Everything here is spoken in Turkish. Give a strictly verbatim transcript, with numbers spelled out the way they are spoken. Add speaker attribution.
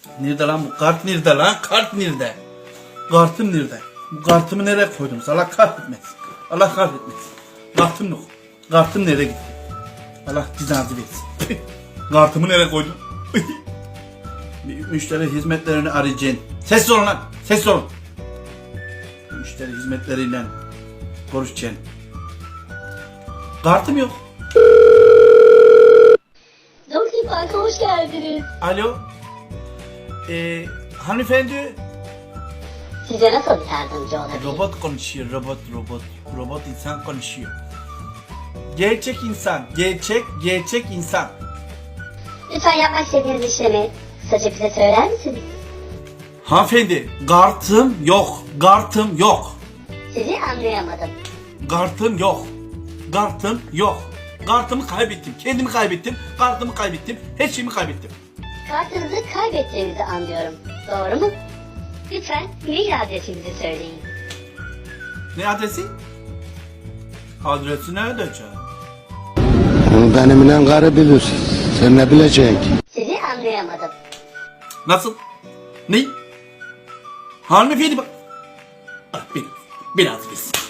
Speaker 1: Nerede lan bu kart nerede lan? Kart nerede? Kartım nerede? Bu kartımı nereye koydum? Allah kahretmesin. Allah kahretmesin. Kartım yok. Kartım nereye gitti? Allah cezanızı versin. Kartımı nereye koydum? Müşteri hizmetlerini arayacaksın. Sessiz olun lan. Sessiz olun. Müşteri hizmetleriyle konuşacaksın. Kartım yok.
Speaker 2: Doktor Park'a hoş geldiniz.
Speaker 1: Alo. Ee, hanımefendi.
Speaker 2: Size nasıl yardımcı olabilirim?
Speaker 1: Robot konuşuyor. Robot, robot. Robot insan konuşuyor. Gerçek insan. Gerçek, gerçek insan.
Speaker 2: Lütfen yapmak istediğiniz işlemi kısaca bize söyler misiniz?
Speaker 1: Hanımefendi, kartım yok. Kartım yok.
Speaker 2: Sizi anlayamadım.
Speaker 1: Kartım yok. Kartım yok. Kartımı kaybettim. Kendimi kaybettim. Kartımı kaybettim. Her şeyimi kaybettim.
Speaker 2: Kartınızı kaybettiğinizi anlıyorum. Doğru mu? Lütfen mail adresinizi söyleyin.
Speaker 1: Ne adresi? Adresi nerede canım?
Speaker 3: Onu benimle karı bilir. Sen ne bileceksin ki?
Speaker 2: Sizi anlayamadım.
Speaker 1: Nasıl? Ne? Hanımefendi bak. Bak biraz. Biraz biz.